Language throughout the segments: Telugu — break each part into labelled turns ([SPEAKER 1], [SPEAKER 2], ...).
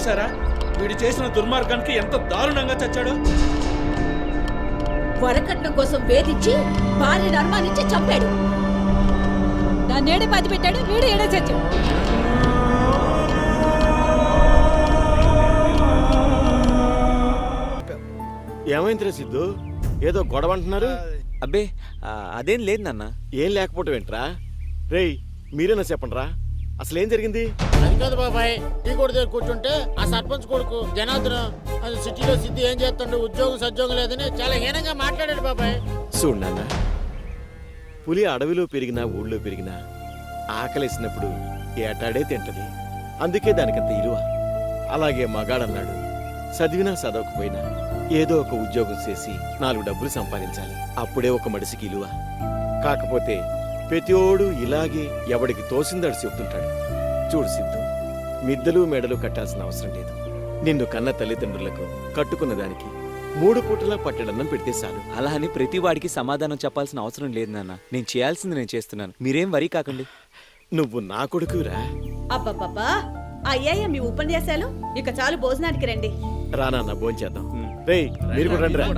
[SPEAKER 1] చూసారా వీడు చేసిన దుర్మార్గానికి ఎంత దారుణంగా చచ్చాడో.
[SPEAKER 2] వరకట్నం కోసం వేధించి భార్యను అనుమానించి చంపాడు.
[SPEAKER 3] దాన్నేడే పాతి పెట్టాడు, వీడు ఏడే చచ్చాడు.
[SPEAKER 4] ఏమైందిరా సిద్ధు, ఏదో గొడవ అంటున్నారు?
[SPEAKER 5] అబ్బే అదేం లేదు నాన్న.
[SPEAKER 4] ఏం లేకపోవటం ఏంట్రా? రేయ్ మీరేనా చెప్పండి రా, అసలు ఏం జరిగింది?
[SPEAKER 6] అది కాదు బాబాయ్, టీ కొడు దగ్గర కూర్చుంటే ఆ సర్పంచ్ కొడుకు జనార్దన్ అది సిటీలో సిద్ధి ఏం చేస్తుండే, ఉద్యోగం సద్యోగం లేదని చాలా హీనంగా మాట్లాడాడు బాబాయ్.
[SPEAKER 4] చూడు నాన్న, పులి అడవిలో పెరిగినా ఊళ్ళో పెరిగినా ఆకలేసినప్పుడు ఏటాడే తింటది, అందుకే దానికంత ఇలువ. అలాగే మగాడన్నాడు, చదివినా చదవకపోయినా ఏదో ఒక ఉద్యోగం చేసి 4 డబ్బులు సంపాదించాలి, అప్పుడే ఒక మనిషికి ఇలువ. కాకపోతే ప్రతిోడు ఇలాగే ఎవడికి తోసిందాడు చెప్తుంటాడు. చూడు సిద్ధు, మిద్దలు మెడలు కట్టాల్సిన అవసరం లేదు. నిన్ను కన్న తల్లిదండ్రులకు కట్టుకున్న దానికి 3 పూటలా పట్టెడన్నం పెడితే చాలు.
[SPEAKER 5] అలా అని ప్రతి వాడికి సమాధానం చెప్పాల్సిన అవసరం లేదు నాన్న. నేను చేయాల్సింది నేను చేస్తున్నాను, మీరేం వరీ కాకండి.
[SPEAKER 4] నువ్వు నా కొడుకురా.
[SPEAKER 2] అబ్బబ్బబ్బా, అయ్యాయ మీ ఉపన్యాసాలు, ఇక చాలు భోజనానికి రండి.
[SPEAKER 4] రానా భోంచేద్దాం. రేయ్ మీరు కూడా రండి రా.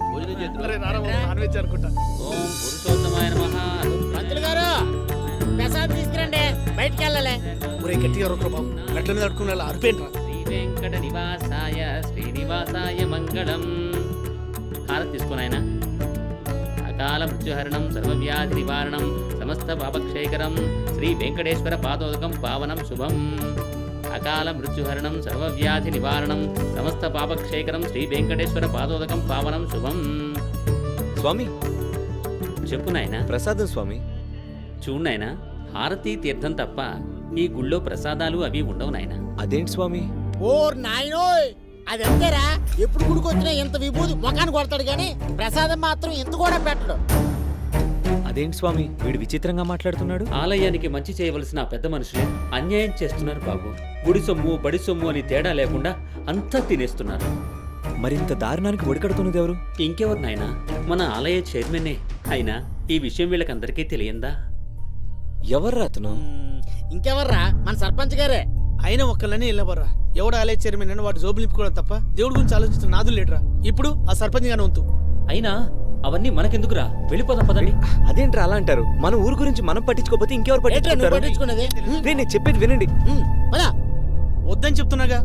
[SPEAKER 6] మంత్రులు గారు ప్రసాద్ తీసుకురండి, బయటికి వెళ్ళాలి.
[SPEAKER 1] గట్టిగా బాబు, మెట్ల మీద అడుకునే అరిపేంట్రా.
[SPEAKER 7] శ్రీ వెంకట నివాసాయ శ్రీనివాసాయ మంగళం. హారతి తీసుకున్నాయన. అకాల మృత్యుహరణం సర్వవ్యాధి నివారణం సమస్త పాపక్షేకరం శ్రీ వెంకటేశ్వర పాదోదకం పావనం శుభం. అకాల మృత్యుహరణం సర్వవ్యాధి నివారణం సమస్త పాపక్షేకరం శ్రీ వెంకటేశ్వర పాదోదకం పావనం శుభం.
[SPEAKER 5] స్వామి
[SPEAKER 7] చెప్పు నాయనా.
[SPEAKER 5] ప్రసాదం స్వామి.
[SPEAKER 7] చూడు నాయనా, హారతి తీర్థం తప్ప ఈ గుళ్ళో ప్రసాదాలు అవి ఉండవు నాయనా.
[SPEAKER 5] అదేంటి స్వామి?
[SPEAKER 6] ఓర్ నాయనోయ్, అది అంతేరా, ఎప్పుడు గుడికొచ్చినా ఇంత విభూతి ముఖాన్ని కొడతాడు కానీ ప్రసాదం మాత్రం ఇంత కూడా పెట్టడు.
[SPEAKER 5] అదేంటి స్వామి, వీడు విచిత్రంగా మాట్లాడుతున్నాడు.
[SPEAKER 7] ఆలయానికి మంచి చేయవలసిన ఆ పెద్ద మనుషులే అన్యాయం చేస్తున్నారు బాబు. గుడి సొమ్ము బడి సొమ్ము అని తేడా లేకుండా అంతా తినేస్తున్నారు.
[SPEAKER 5] మరింత దారుణానికి ఒడికడుతున్నది ఎవరు?
[SPEAKER 7] ఇంకెవరు నాయనా, మన ఆలయ చైర్మనే. అయినా ఈ విషయం వీళ్ళకందరికీ తెలియందా?
[SPEAKER 5] ఎవర్రా అతను?
[SPEAKER 6] ఇంకెవర్రా, మన సర్పంచ్ గారే.
[SPEAKER 1] అయినా ఒక్కళ్ళని వెళ్ళబర్రా. ఎవడు ఆలయ చైర్మన్ అని వాడు జోబులు నింపుకోవడం తప్ప దేవుడి గురించి ఆలోచించిన నాదులు లేడురా. ఇప్పుడు ఆ సర్పంచ్ గానే వంతు.
[SPEAKER 7] అయినా అవన్నీ మనకెందుకురా, వెళ్ళిపోదాం పదండి.
[SPEAKER 5] అదేంట్రా అలా అంటారు? మన ఊరు గురించి మనం పట్టించుకోకపోతే ఇంకెవరు పట్టించుకుంటారు?
[SPEAKER 6] పట్టించుకున్నది
[SPEAKER 5] నేను చెప్పేది వినండి.
[SPEAKER 1] వద్దని చెప్తున్నాగా.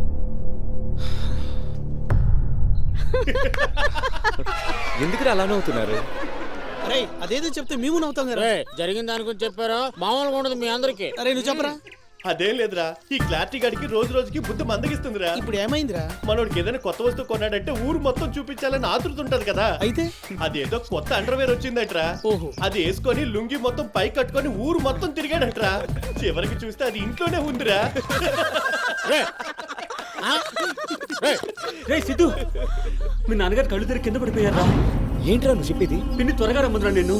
[SPEAKER 5] ఎందుకు అలా నవ్వుతున్నారు?
[SPEAKER 1] అరే అదేదో చెప్తే మేము నవ్వుతాం కదా.
[SPEAKER 6] జరిగిన దాని గురించి చెప్పారా, మామూలుగా ఉండదు మీ అందరికి.
[SPEAKER 1] అరే నువ్వు చెప్పరా.
[SPEAKER 4] అదేం లేదురా, ఈ క్లారిటీ గడికి రోజు రోజుకి బుద్ధి మందగిస్తుందిరా.
[SPEAKER 1] ఇప్పుడు ఏమైందిరా?
[SPEAKER 4] మనోడికి ఏదైనా కొత్త వస్తువు కొన్నాడంటే ఊరు మొత్తం చూపించాలని ఆతృత ఉంటది కదా.
[SPEAKER 1] అయితే
[SPEAKER 4] అదేదో కొత్త అండర్వేర్ వచ్చిందట్రా.
[SPEAKER 1] ఓహో.
[SPEAKER 4] అది వేసుకొని లుంగి మొత్తం పై కట్టుకొని ఊరు మొత్తం తిరిగాడట్రా. చివరికి చూస్తే అది ఇంట్లోనే ఉందిరా.
[SPEAKER 7] రే సిద్ధు, మీ నాన్నగారు కళ్ళు తిరిగి కింద పడిపోయారా?
[SPEAKER 5] ఏంట్రా నువ్వు చెప్పేది?
[SPEAKER 7] పిన్ని త్వరగా రమ్మందిరా నిన్ను.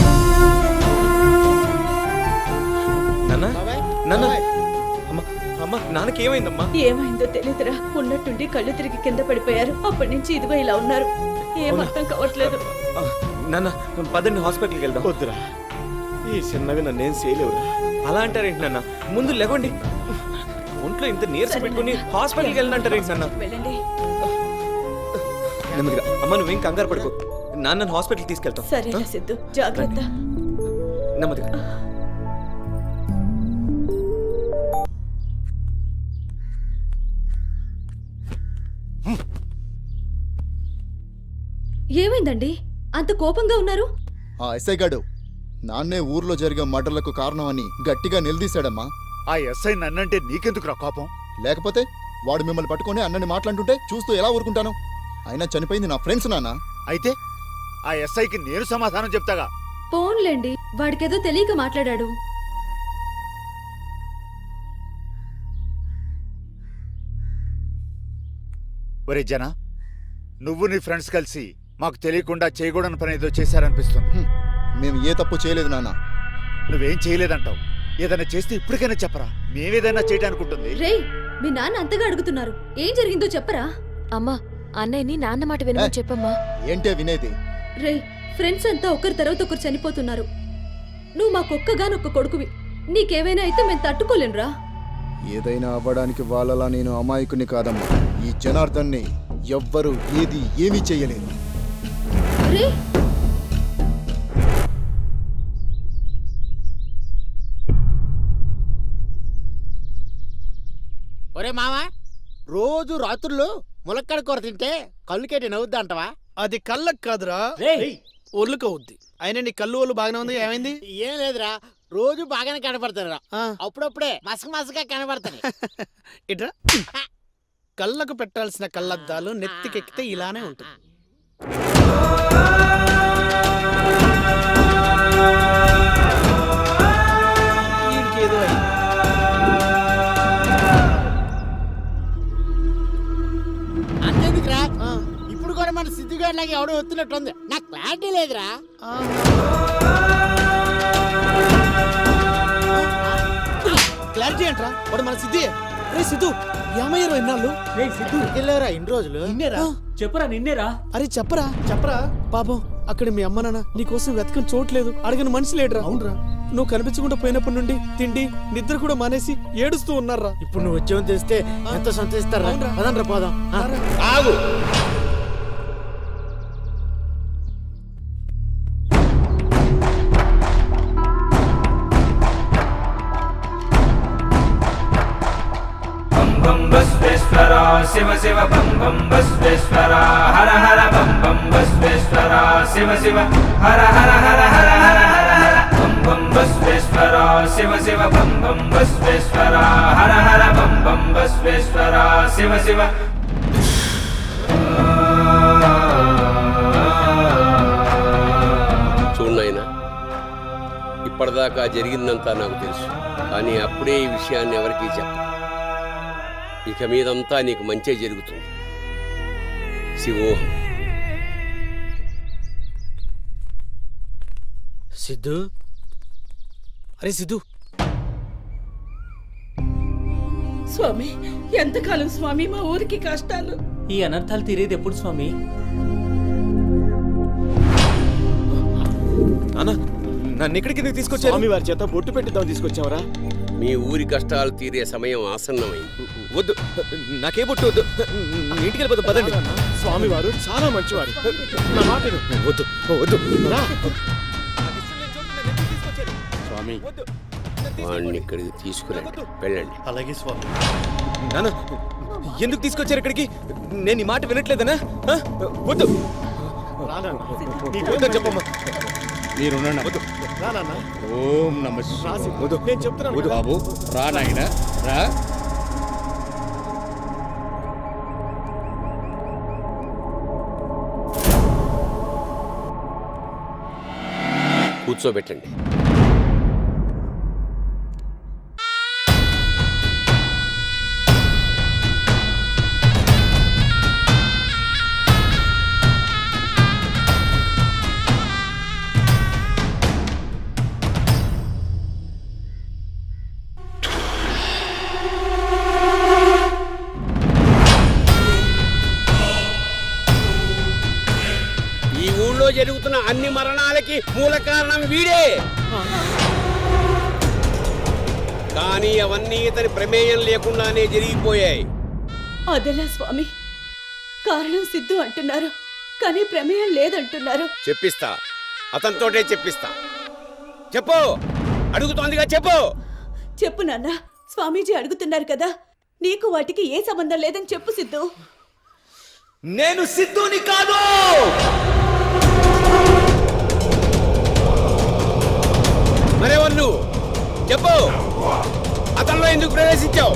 [SPEAKER 5] నాన్న నాన్న, అమ్మా అమ్మా, నాన్నకి ఏమైందమ్మా?
[SPEAKER 2] ఏమైందో తెలియదురా, ఉన్నట్టుండి కళ్ళు తిరిగి కింద పడిపోయారు. అప్పటి నుంచి ఇదిగో ఇలా ఉన్నారు. ఏం అర్థం కావట్లేదు.
[SPEAKER 5] నాన్న పదండి హాస్పిటల్కి వెళ్దాం.
[SPEAKER 4] వద్దురా, ఈ చిన్నవి నన్నేం చేయలేవురా.
[SPEAKER 5] అలా అంటారేంటి నాన్న? ముందు లేవండి. ఒంట్లో ఇంత నీరసం పెట్టుకుని హాస్పిటల్కి వెళ్ళంటారేంటి నాన్న?
[SPEAKER 2] వెళ్ళండి.
[SPEAKER 5] నెమ్మదిగా. అమ్మ నువ్వేం కంగారు పడుకో, నాన్న హాస్పిటల్కి తీసుకెళ్తాం.
[SPEAKER 2] సరే సిద్ధు, జాగ్రత్త.
[SPEAKER 5] నెమ్మదిగా.
[SPEAKER 2] ఏమైందండి అంత కోపంగా ఉన్నారు?
[SPEAKER 8] ఆ ఎస్ఐ గాడు నాన్నే ఊర్లో జరిగే మర్డర్లకు కారణమని గట్టిగా నిలదీశాడమ్మా.
[SPEAKER 9] ఆ ఎస్ఐ నన్నంటే నీకెందుకురా కోపం?
[SPEAKER 8] లేకపోతే వాడు మిమ్మల్ని పట్టుకొని అన్నని మాట్లాడుతుంటే చూస్తూ ఎలా ఊరుకుంటాను? అయినా చనిపోయింది నా ఫ్రెండ్స్ నాన్న.
[SPEAKER 9] అయితే ఆ ఎస్ఐకి నేను సమాధానం చెప్తాగా.
[SPEAKER 2] పోన్లేండి, వాడికేదో తెలియక మాట్లాడాడు.
[SPEAKER 9] ఒరే జన, నువ్వు నీ ఫ్రెండ్స్ కలిసి మాకు తెలియకుండా చేయకూడని పని ఏదో చేశారనిపిస్తుంది.
[SPEAKER 8] మేము ఏ తప్పు చేయలేదు నాన్న.
[SPEAKER 9] నువ్వేం చేయలేదంటావు. ఏదైనా చేస్తే ఇప్పటికైనా చెప్పరా, మేమేదైనా చేయడానికి ఉంటుంది.
[SPEAKER 2] రేయ్, మీ నాన్న అంతగా అడుగుతున్నారు, ఏం జరిగిందో చెప్పరా?
[SPEAKER 10] అమ్మా, అన్నయ్యని నాన్న మాట వినమని చెప్పమ్మా.
[SPEAKER 8] ఏంటే వినేది?
[SPEAKER 2] రేయ్, ఫ్రెండ్స్ అంతా ఒకరి తర్వాత ఒకరు చనిపోతున్నారు. నువ్వు మాకొక్కగానొక్క కొడుకువి. నీకేమైనా అయితే మేము తట్టుకోలేనురా.
[SPEAKER 8] ఏదైనా అవ్వడానికి వాళ్ళలా నేను అమాయకుని కాదమ్మా. ఈ జనార్దన్ని ఎవ్వరూ ఏమీ చెయ్యలేదు.
[SPEAKER 6] ఒరే మావా, రోజు రాత్రులు ములక్కడ కూర తింటే కళ్ళుకేటి నవ్వుద్దా అంటవా?
[SPEAKER 1] అది కళ్ళకు కాదురా, ఒళ్ళుకు అవుద్ది. అయినా నీ కళ్ళు ఒళ్ళు బాగానే ఉంది, ఏమైంది?
[SPEAKER 6] ఏం లేదురా, రోజు బాగానే కనపడతారా,
[SPEAKER 1] ఆ,
[SPEAKER 6] అప్పుడప్పుడే మసక కనపడతాయి.
[SPEAKER 1] ఇట్రా. కళ్ళకు పెట్టాల్సిన కళ్ళద్దాలు నెత్తికెక్కితే ఇలానే ఉంటుంది. వీడికేదో అయింది.
[SPEAKER 6] అంతేందుకురా,
[SPEAKER 1] ఆ,
[SPEAKER 6] ఇప్పుడు కూడా మన సిద్ధిగాడిలాగా ఎవడో వస్తున్నట్టుంది. నాకు క్లారిటీ లేదురా.
[SPEAKER 1] క్లారిటీ ఏంట్రా? వాడు మన సిద్ధి. రే సిద్ధు, ఏమయ్యారు ఇన్నాళ్ళు?
[SPEAKER 6] వెళ్ళారా ఇన్ని రోజులు?
[SPEAKER 7] చెప్పరా నిన్నేరా?
[SPEAKER 1] అరే చెప్పరా చెప్పరా. పాపం అక్కడ మీ అమ్మ నాన్న నీకోసం వెతకని చోట్లేదు, అడగని మనిషి లేడురా. అవునరా, నువ్వు కనిపించకుండా పోయినప్పటి నుండి తిండి నిద్ర కూడా మానేసి ఏడుస్తూ ఉన్నారా.
[SPEAKER 6] ఇప్పుడు నువ్వు వచ్చావని తెలిస్తే ఎంత సంతోషిస్తారా?
[SPEAKER 1] అవునురా.
[SPEAKER 6] పదండ్రా పోదాం.
[SPEAKER 4] ఆగు.
[SPEAKER 5] బం బస్వేశ్వర శివ శివ బం బం బస్వేశ్వర హర హర బం బం బస్వేశ్వర శివ శివ హర హర హర హర హర హర హర బం బం బస్వేశ్వర శివ శివ బం బం బస్వేశ్వర హర హర బం బం బస్వేశ్వర శివ శివ.
[SPEAKER 11] చూడైనా ఇప్పటిదాకా జరిగిందంతా నాకు తెలుసు, కానీ అప్పుడే ఈ విషయాన్ని ఎవరికీ చెప్ప. ఇక మీదంతా నీకు మంచే జరుగుతుంది. శివోహం.
[SPEAKER 1] సిద్ధు, అరే సిద్ధు.
[SPEAKER 2] స్వామి, ఎంతకాలం స్వామి మా ఊరికి కష్టాలు?
[SPEAKER 7] ఈ అనర్థాలు తీరేది ఎప్పుడు స్వామి?
[SPEAKER 5] అన్న, నన్ను ఇక్కడికి ఎందుకు తీసుకొచ్చారు?
[SPEAKER 4] స్వామి వారి చేత బొట్టు పెట్టిద్దాం తీసుకొచ్చావరా?
[SPEAKER 11] మీ ఊరి కష్టాలు తీరే సమయం ఆసన్నమైంది.
[SPEAKER 5] వద్దు, నాకే బొట్టు వద్దు. ఇంటికి వెళ్ళిపోతాం, పదండి.
[SPEAKER 4] స్వామి వారు చాలా మంచివారు. నా మాట విను.
[SPEAKER 5] వద్దు వద్దు.
[SPEAKER 4] రా.
[SPEAKER 11] స్వామి, వాడిని ఇక్కడికి తీసుకురండి, వెళ్ళండి.
[SPEAKER 8] అలాగే స్వామి.
[SPEAKER 5] నాన్న, ఎందుకు తీసుకొచ్చారు ఇక్కడికి? నేను ఈ మాట వినట్లేదనా? ఆ? వద్దు.
[SPEAKER 4] నీకు
[SPEAKER 5] వద్దని చెప్పమ్మా.
[SPEAKER 8] మీరున్నాను.
[SPEAKER 5] వద్దు.
[SPEAKER 4] రా నాన్న.
[SPEAKER 8] ఓం నమ
[SPEAKER 4] రాసి.
[SPEAKER 5] వద్దు.
[SPEAKER 4] నేను చెప్తున్నాను కదా.
[SPEAKER 8] బాబు రా నాయన రా.
[SPEAKER 11] కూర్చోబెట్టండి. ఈ ఊళ్ళో జరుగుతున్న అన్ని మరణాలకి మూల కారణం వీడే. కానీ అవన్నీ ఇతని ప్రమేయం లేకుండానే జరిగిపోయాయి.
[SPEAKER 2] అదెలా స్వామి? కారణం సిద్ధు అంటున్నారు, కానీ ప్రమేయం లేదంటున్నారు.
[SPEAKER 11] చెప్పిస్తా, అతనితోటే చెప్పిస్తా. చెప్పు, అడుగుతోందిగా చెప్పు.
[SPEAKER 2] చెప్పు నాన్న, స్వామీజీ అడుగుతున్నారు కదా, నీకు వాటికి ఏ సంబంధం లేదని చెప్పు సిద్ధు.
[SPEAKER 5] నేను సిద్ధుని కాదు.
[SPEAKER 11] మరెవరు నువ్వు? చెప్పు, అతనిలో ఎందుకు ప్రవేశించావు?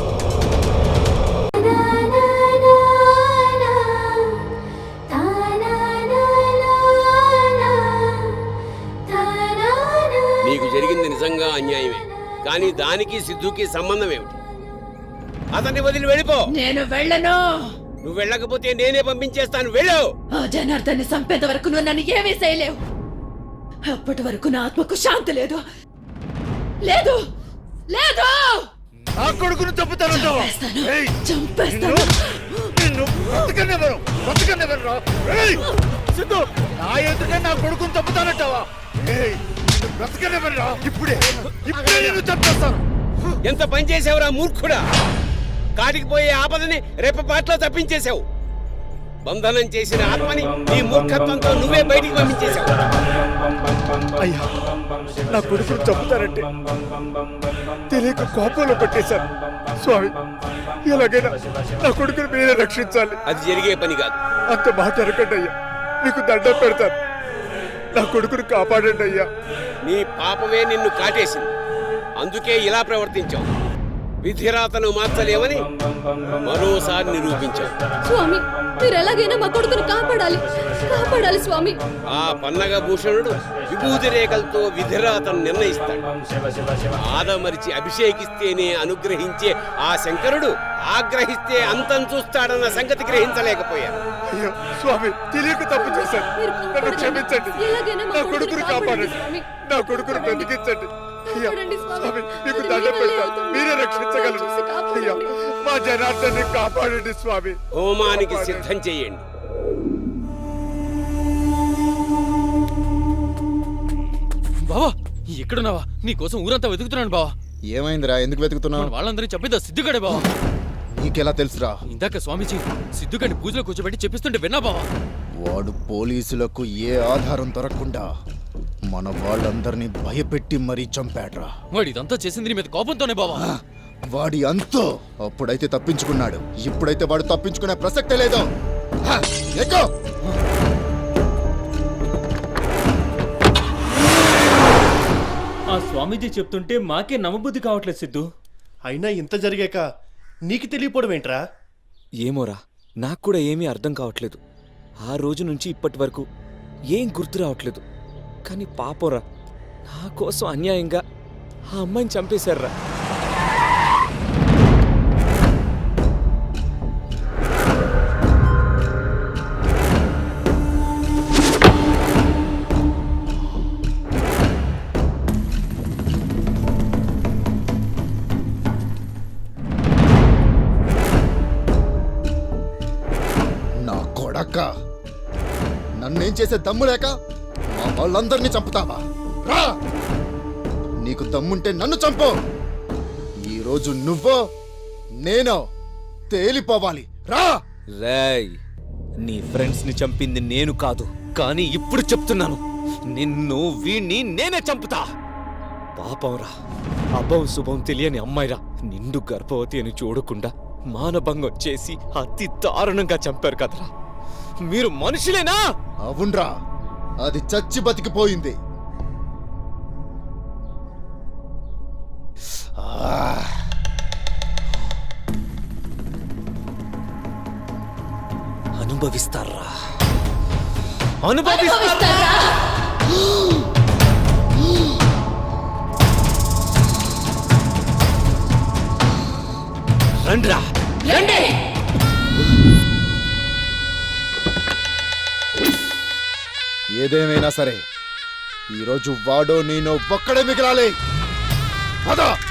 [SPEAKER 11] నీకు జరిగింది నిజంగా అన్యాయమే, కానీ దానికి సిద్ధుకి సంబంధం ఏమిటి? అతన్ని వదిలి వెళ్ళిపో.
[SPEAKER 2] నేను వెళ్ళను.
[SPEAKER 11] నువ్వు వెళ్ళకపోతే నేనే పంపించేస్తాను, వెళ్ళు.
[SPEAKER 2] ఆ జనార్దన్ని చంపేంత వరకు నువ్వు నన్ను ఏమీ చేయలేవు. అప్పటి వరకు నా ఆత్మకు శాంతి లేదు. లేదు లేదు.
[SPEAKER 9] నా కొడుకును చంపుతానంటావా? ఏయ్,
[SPEAKER 2] చంపేస్తాను.
[SPEAKER 9] నిన్ను బ్రతకనివ్వను, బ్రతకనివ్వనురా. ఏయ్, సిద్ధు, నా ఎదుటే నా కొడుకును చంపుతానంటావా? ఏయ్, నిన్ను బ్రతకనివ్వనురా. ఇప్పుడే నిన్ను చంపేస్తాను.
[SPEAKER 11] ఎంత పని చేసావురా మూర్ఖుడా! కాటికి పోయే ఆపదని రెప్పపాట్లో తప్పించేశావు. బంధనం చేసిన ఆత్మని నీ మూర్ఖత్వంతో నువ్వే బయటికి పంపించేశావు.
[SPEAKER 9] అయ్యా, నా కొడుకును చంపుతారంటే తెలియక కోపంలో పెట్టేశాను. స్వామి, ఎలాగైనా నా కొడుకును మీరే రక్షించాలి.
[SPEAKER 11] అది జరిగే పని కాదు.
[SPEAKER 9] అంత మాట అనకండి అయ్యా, మీకు దండం పెడతాను. నా కొడుకును కాపాడండి అయ్యా.
[SPEAKER 11] నీ పాపమే నిన్ను కాటేసింది. అందుకే ఇలా ప్రవర్తించావు. విధిరాతను మార్చలేమని మరోసారి నిరూపించావు.
[SPEAKER 2] స్వామి, మీరు ఎలాగైనా మా కొడుకును కాపాడాలి, కాపాడాలి స్వామి.
[SPEAKER 11] ఆ పన్నగ భూషణుడు విభూతి రేఖలతో విధిరాతను నిర్ణయిస్తాడు. ఆదమరిచి అభిషేకిస్తేనే అనుగ్రహించే ఆ శంకరుడు ఆగ్రహిస్తే అంతం చూస్తాడన్న సంగతి గ్రహించలేకపోయారు.
[SPEAKER 9] అయ్యో స్వామి, తెలియక తప్పు చేశాను. నన్ను క్షమించండి. నా కొడుకును కాపాడండి. నా కొడుకును బ్రతికించండి. అయ్యా, స్వామి, మీకు దండం పెడతాను. మీరే రక్షించగలరు. అయ్యా, మా జనార్దన్ని కాపాడండి స్వామి.
[SPEAKER 11] హోమానికి సిద్ధం చేయండి.
[SPEAKER 1] బావా, ఎక్కడున్నావా? నీ కోసం ఊరంతా వెతుకుతున్నాను బావా.
[SPEAKER 8] ఏమైందిరా? ఎందుకు వెతుకుతున్నావు?
[SPEAKER 1] వాళ్ళందరినీ చెప్పేదా సిద్ధుగడే బావా.
[SPEAKER 8] నీకెలా తెలుసురా?
[SPEAKER 1] ఇందాక స్వామీజీ సిద్ధుగడిని పూజలో కూర్చోబెట్టి చెప్పిస్తుంటే విన్నా బావా.
[SPEAKER 8] వాడు పోలీసులకు ఏ ఆధారం దొరకకుండా మన వాళ్ళందరినీ భయపెట్టి మరీ చంపాడ్రా.
[SPEAKER 1] వాడు ఇదంతా చేసింది నీ మీద కోపంతోనే బావా.
[SPEAKER 8] వాడి అంతో అప్పుడైతే తప్పించుకున్నాడు, ఇప్పుడైతే వాడు తప్పించుకునే ప్రసక్తే లేదు. హ, ఎక్కు.
[SPEAKER 7] ఆ స్వామీజీ చెప్తుంటే మాకే నమ్మబుద్ధి కావట్లేదు సిద్ధు.
[SPEAKER 1] అయినా ఇంత జరిగాక నీకు తెలియపోవడం ఏంట్రా?
[SPEAKER 12] ఏమోరా, నాకు కూడా ఏమీ అర్థం కావట్లేదు. ఆ రోజు నుంచి ఇప్పటి వరకు ఏం గుర్తు రావట్లేదు. కానీ పాపంరా, నా కోసం అన్యాయంగా ఆ అమ్మాయిని చంపేశారా.
[SPEAKER 8] నా కొడక, నన్నేం చేసే దమ్ము లేక మా వాళ్ళందరినీ చంపుతావా? రా, నీకు దమ్ముంటే నన్ను చంపు. ఈరోజు నువ్వో నేనో తేలిపోవాలి. రా.
[SPEAKER 12] రేయ్, నీ ఫ్రెండ్స్ ని చంపింది నేను కాదు, కానీ ఇప్పుడు చెప్తున్నాను, నిన్ను వీణ్ణి నేనే చంపుతా. పాపంరా, అభం శుభం తెలియని అమ్మాయిరా, నిండు గర్భవతి అని చూడకుండా మానభంగం చేసి అతి దారుణంగా చంపారు కదరా. మీరు మనుషులేనా?
[SPEAKER 8] అవునరా, అది చచ్చి బతికిపోయింది.
[SPEAKER 12] అనుభవిస్తారా, అనుభవిస్తారా. రండ్రా, రండి.
[SPEAKER 8] ఏదేమైనా సరే, ఈరోజు వాడో నేనో ఒక్కడే మిగిలాలి. పద.